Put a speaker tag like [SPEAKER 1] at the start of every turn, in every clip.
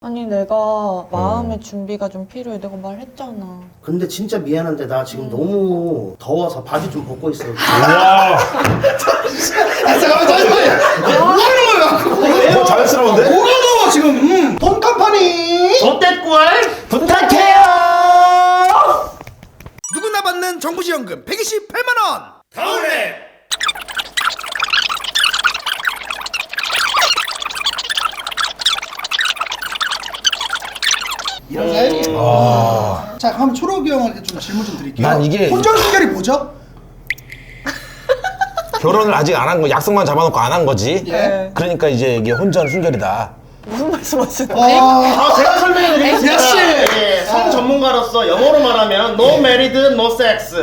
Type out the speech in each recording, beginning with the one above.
[SPEAKER 1] 아니 내가 마음의 준비가 좀 필요해. 내가 말했잖아.
[SPEAKER 2] 근데 진짜 미안한데 나 지금 너무 더워서 바지 좀 벗고 있어.
[SPEAKER 3] 와.
[SPEAKER 4] 잠깐만. 뭐 하는 거야?
[SPEAKER 3] 자연스러운데?
[SPEAKER 4] 뭐가 나와 지금? 돈 컴퍼니.
[SPEAKER 2] 롯데꿀 부탁해요.
[SPEAKER 4] 누구나 받는 정부지원금 128만 원.
[SPEAKER 3] 다운해.
[SPEAKER 4] 이런 사연이에요. 자, 그럼 초록이 형한테 좀 질문 좀 드릴게요.
[SPEAKER 3] 난 이게-
[SPEAKER 4] 혼전순결이 뭐죠?
[SPEAKER 3] 결혼을 아직 안 한 거, 약속만 잡아놓고 안 한 거지.
[SPEAKER 4] 예.
[SPEAKER 3] 그러니까 이제 이게 혼전 순결이다.
[SPEAKER 1] 무슨 말씀하시는 거예요?
[SPEAKER 2] 제가 설명해 드리겠습니다.
[SPEAKER 4] 역시!
[SPEAKER 2] 예, 성 전문가로서 영어로 말하면 no married, no sex.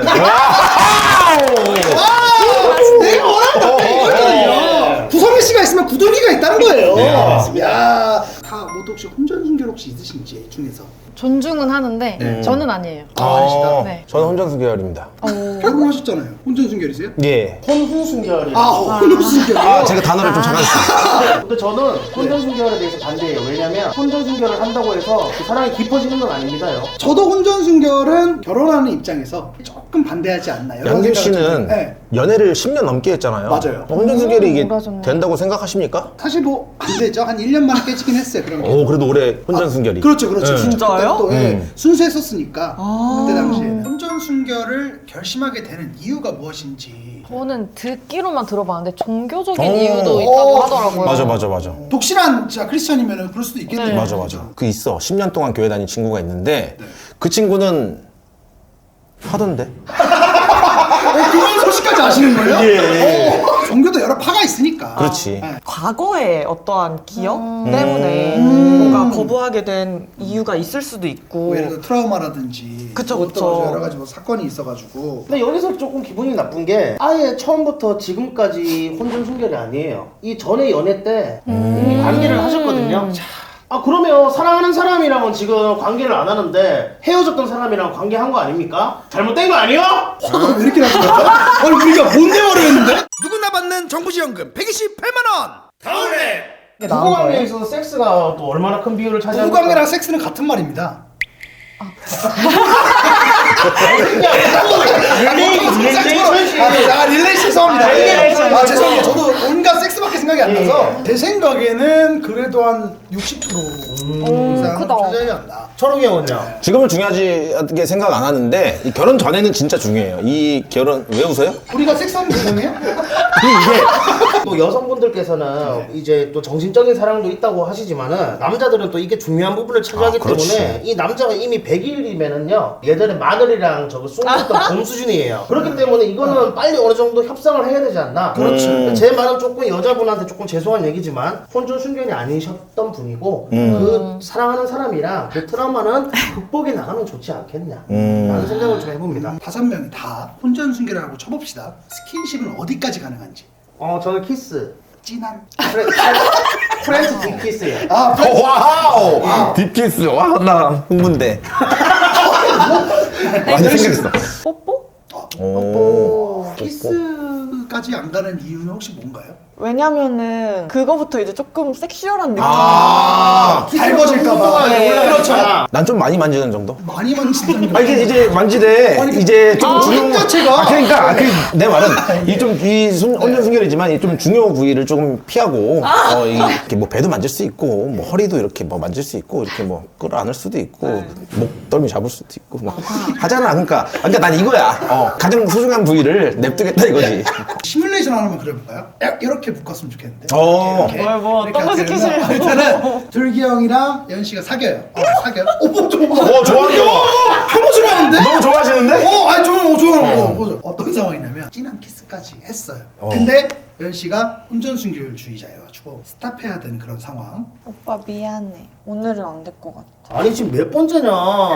[SPEAKER 4] 내가 원하는 답변 이거거든요. 구성희 씨가 있으면 구동이가 있다는 거예요. 야, 다 모두 혹시 혼전순결 혹시 있으신지 중에서
[SPEAKER 5] 존중은 하는데 저는 아니에요.
[SPEAKER 4] 아니시다?
[SPEAKER 5] 네.
[SPEAKER 3] 저는 혼전 순결입니다.
[SPEAKER 4] 결혼하셨잖아요. 혼전순결이세요?
[SPEAKER 3] 예.
[SPEAKER 2] 혼후순결이.
[SPEAKER 4] 혼전순결이요?
[SPEAKER 3] 아, 제가 단어를 좀 착각했어요.
[SPEAKER 2] 근데 저는 혼전순결에 대해서 반대예요. 왜냐면 혼전순결을 한다고 해서 그 사랑이 깊어지는 건 아닙니다요.
[SPEAKER 4] 저도 혼전순결은 결혼하는 입장에서 조금 반대하지 않나요?
[SPEAKER 3] 양김 씨는
[SPEAKER 4] 네.
[SPEAKER 3] 연애를 10년 넘게 했잖아요.
[SPEAKER 4] 맞아요.
[SPEAKER 3] 혼전 순결이 이게
[SPEAKER 5] 몰아줬네.
[SPEAKER 3] 된다고 생각하십니까?
[SPEAKER 4] 사실 뭐 안 되죠. 한 1년 만에 깨지긴 했어요. 그런 게.
[SPEAKER 3] 오, 그래도 올해 혼전 순결이.
[SPEAKER 4] 그렇죠, 그렇죠.
[SPEAKER 3] 네.
[SPEAKER 1] 진짜요?
[SPEAKER 4] 또, 순수했었으니까 그때 당시에
[SPEAKER 1] 네.
[SPEAKER 4] 혼전순결을 결심하게 되는 이유가 무엇인지.
[SPEAKER 5] 저는 듣기로만 들어봤는데 종교적인
[SPEAKER 3] 오.
[SPEAKER 5] 이유도 있다고
[SPEAKER 4] 오.
[SPEAKER 5] 하더라고요.
[SPEAKER 3] 맞아.
[SPEAKER 4] 독실한 진짜 크리스천이면 그럴 수도 있겠네요.
[SPEAKER 5] 네.
[SPEAKER 3] 맞아. 그 있어. 10년 동안 교회 다닌 친구가 있는데 그 친구는 하던데.
[SPEAKER 4] 그런 소식까지 아시는 거예요?
[SPEAKER 3] 예.
[SPEAKER 4] 종교도 여러 파가 있으니까.
[SPEAKER 3] 그렇지.
[SPEAKER 4] 네.
[SPEAKER 1] 과거의 어떠한 기억 때문에 뭔가 거부하게 된 이유가 있을 수도 있고.
[SPEAKER 4] 뭐 예를 들어 트라우마라든지
[SPEAKER 1] 그쵸,
[SPEAKER 4] 또
[SPEAKER 1] 그쵸.
[SPEAKER 4] 여러 가지 뭐 사건이 있어가지고
[SPEAKER 2] 근데 여기서 조금 기분이 나쁜 게 아예 처음부터 지금까지 혼전순결이 아니에요. 이 전에 연애 때 이미 관계를 하셨거든요. 아 그러면 사랑하는 사람이랑은 지금 관계를 안 하는데 헤어졌던 사람이랑 관계한 거 아닙니까? 잘못된 거 아니에요?
[SPEAKER 4] 화가 왜 이렇게 나죠? 아니 우리가 뭔 대화를 했는데? 누구나 받는 정부지원금 128만 원.
[SPEAKER 3] 다운해.
[SPEAKER 2] 부부관계에 있어서 섹스가 또 얼마나 큰 비율을 차지합니까?
[SPEAKER 4] 부부관계랑 섹스는 같은 말입니다. 릴레이션 죄송합니다.
[SPEAKER 2] 릴레이션.
[SPEAKER 4] 죄송해요. 저도 온갖 섹스밖에 생각이 안 나서 제 생각에는 그래도 한 60% 이상
[SPEAKER 5] 크다.
[SPEAKER 4] 차지하지 않나.
[SPEAKER 2] 초록이 형은요?
[SPEAKER 3] 지금은 중요하게 생각 안 하는데 이 결혼 전에는 진짜 중요해요. 이 결혼 왜 웃어요?
[SPEAKER 4] 우리가 섹스하는 대상이에요?
[SPEAKER 2] 또 여성분들께서는 이제 또 정신적인 사랑도 있다고 하시지만은 남자들은 또 이게 중요한 부분을 차지하기
[SPEAKER 3] 아, 그렇지.
[SPEAKER 2] 때문에 이 남자가 이미 100일이면은요 예전에 마늘이랑 저거 쑥먹던 봄 수준이에요. 그렇기 때문에 이거는 빨리 어느 정도 협상을 해야 되지 않나.
[SPEAKER 4] 그렇죠.
[SPEAKER 2] 제 말은 조금 여자분한테 조금 죄송한 얘기지만 혼전 순결이 아니셨던 분이고 그 사랑하는 사람이랑 그 트라우마는 극복해 나가면 좋지 않겠냐 라는 생각을 좀 해봅니다.
[SPEAKER 4] 5명이 다 혼전순결이라고 쳐봅시다. 스킨십은 어디까지 가능한지.
[SPEAKER 2] 저는 키스
[SPEAKER 4] 진한.
[SPEAKER 2] 프렌치 딥키스예요.
[SPEAKER 4] 아,
[SPEAKER 3] 와우! 딥키스. 와, 나 흥분돼. 많이 생겼어.
[SPEAKER 1] 뽀뽀?
[SPEAKER 3] 오.
[SPEAKER 4] 키스까지 안 가는 이유는 혹시 뭔가요?
[SPEAKER 1] 왜냐면은 그거부터 이제 조금 섹슈얼한 느낌.
[SPEAKER 4] 달궈질까봐. 그렇죠.
[SPEAKER 3] 난 좀 많이 만지는 정도?
[SPEAKER 4] 많이 만지는
[SPEAKER 3] 아, 이제 만지되
[SPEAKER 4] 아니,
[SPEAKER 3] 이제 좀
[SPEAKER 4] 힘 자체가.
[SPEAKER 3] 그러니까 내 말은 혼전 순결이지만 이 좀 중요 부위를 조금 피하고 이렇게 뭐 배도 만질 수 있고 뭐 허리도 이렇게 뭐 만질 수 있고 이렇게 뭐 끌어안을 수도 있고 목덜미 잡을 수도 있고 뭐 하잖아. 그러니까 난 이거야. 가장 소중한 부위를 냅두겠다 이거지.
[SPEAKER 4] 시뮬레이션 하나만 그려볼까요? 이렇게 묶었으면 좋겠는데.
[SPEAKER 3] 어.
[SPEAKER 1] 뭐 어떤 거 시키시려고.
[SPEAKER 4] 일단은 둘기 형이랑 연 씨가 사겨요. 사겨요? 뭐 좋아.
[SPEAKER 3] 좋아하는 거.
[SPEAKER 4] 혐오스러워 하는데?
[SPEAKER 3] 너무 좋아하시는데?
[SPEAKER 4] 아니 좋아하는 거. 어떤 상황이냐면 진한 키스까지 했어요. 근데 연 씨가 혼전순결주의자여가지고 스탑해야 되는 그런 상황.
[SPEAKER 1] 오빠 미안해. 오늘은 안 될 것 같아.
[SPEAKER 2] 아니 지금 몇 번째냐?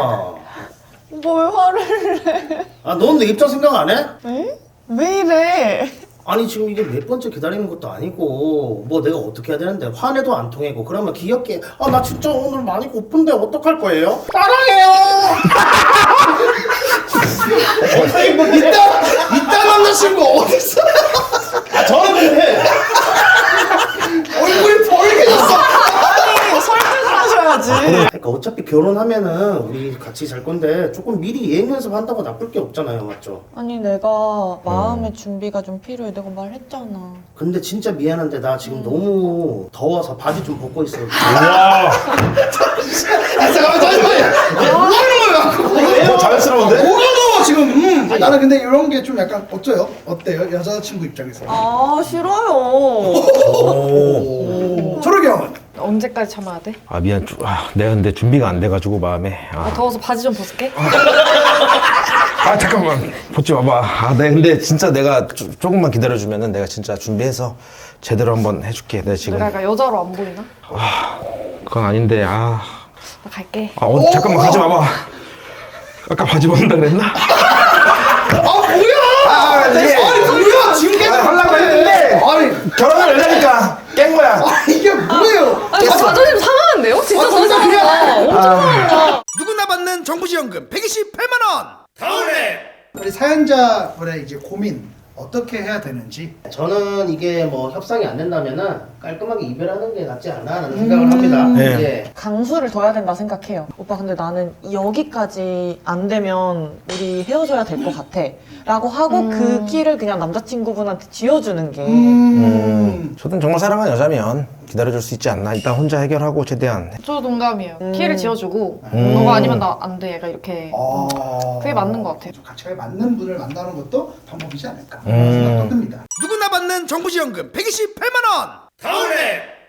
[SPEAKER 1] 뭘 화를 내?
[SPEAKER 2] 넌 내 입장 생각 안 해?
[SPEAKER 1] 에? 왜 이래?
[SPEAKER 2] 아니 지금 이게 몇 번째 기다리는 것도 아니고 뭐 내가 어떻게 해야 되는데 화내도 안 통하고 그러면 귀엽게 나 진짜 오늘 많이 고픈데 어떡할 거예요? 사랑해요!
[SPEAKER 4] 아니 뭐 이딴 남자친구 어딨어?
[SPEAKER 2] 저는 근데
[SPEAKER 4] 얼굴이 벌개졌어.
[SPEAKER 1] 아니 설득을 하셔야지.
[SPEAKER 2] 그러니까 어차피 결혼하면은 우리 같이 살 건데 조금 미리 예행 연습한다고 나쁠 게 없잖아요, 맞죠?
[SPEAKER 1] 아니 내가 마음의 준비가 좀 필요해. 내가 말했잖아.
[SPEAKER 2] 근데 진짜 미안한데 나 지금 너무 더워서 바지 좀 벗고 있어요.
[SPEAKER 4] 잠깐만요. 뭐 하는 거예요?
[SPEAKER 3] 자연스러운데?
[SPEAKER 4] 뭐가 더워 지금? 나는 근데 이런 게 좀 약간 어때요? 여자친구 입장에서.
[SPEAKER 1] 아 싫어요.
[SPEAKER 4] 초록이 형은?
[SPEAKER 5] 언제까지 참아야 돼?
[SPEAKER 3] 아 미안. 내가 근데 준비가 안 돼가지고 마음에.
[SPEAKER 5] 더워서 바지 좀 벗을게.
[SPEAKER 3] 아 잠깐만 벗지 마봐. 네 근데 진짜 내가 조금만 기다려주면은 내가 진짜 준비해서 제대로 한번 해줄게. 내가 지금.
[SPEAKER 5] 내가 약간 여자로 안 보이나?
[SPEAKER 3] 그건 아닌데
[SPEAKER 5] 나 갈게.
[SPEAKER 3] 잠깐만 가지 마봐. 아까 바지 벗는다 그랬나?
[SPEAKER 4] 뭐야 지금 계속
[SPEAKER 3] 하려고 했는데
[SPEAKER 4] 아니
[SPEAKER 3] 결혼을 하려니까 깬 거야.
[SPEAKER 4] 이게 뭐예요?
[SPEAKER 5] 아니 자존심 상하는데요? 진짜
[SPEAKER 4] 진짜
[SPEAKER 5] 상한다. 엄청 상한다.
[SPEAKER 4] 누구나 받는 정부지원금 128만 원. 다음에 우리 사연자분의 이제 고민 어떻게 해야 되는지.
[SPEAKER 2] 저는 이게 뭐 협상이 안 된다면은 깔끔하게 이별하는 게 낫지 않나라는 생각을 합니다.
[SPEAKER 3] 네.
[SPEAKER 2] 예.
[SPEAKER 1] 강수를 둬야 된다 생각해요. 오빠 근데 나는 여기까지 안 되면 우리 헤어져야 될 것 같아. 라고 하고 그 끼를 그냥 남자친구분한테 쥐어주는 게
[SPEAKER 3] 저는 정말 사랑하는 여자면 기다려줄 수 있지 않나. 일단 혼자 해결하고 최대한.
[SPEAKER 5] 저 동감이에요. 키를 지어주고 너가 아니면 나 안 돼. 얘가 이렇게 그게 맞는 것 같아요.
[SPEAKER 4] 가치가 맞는 분을 만나는 것도 방법이지 않을까 생각도 듭니다. 누구나 받는 정부지원금 128만 원. 다음에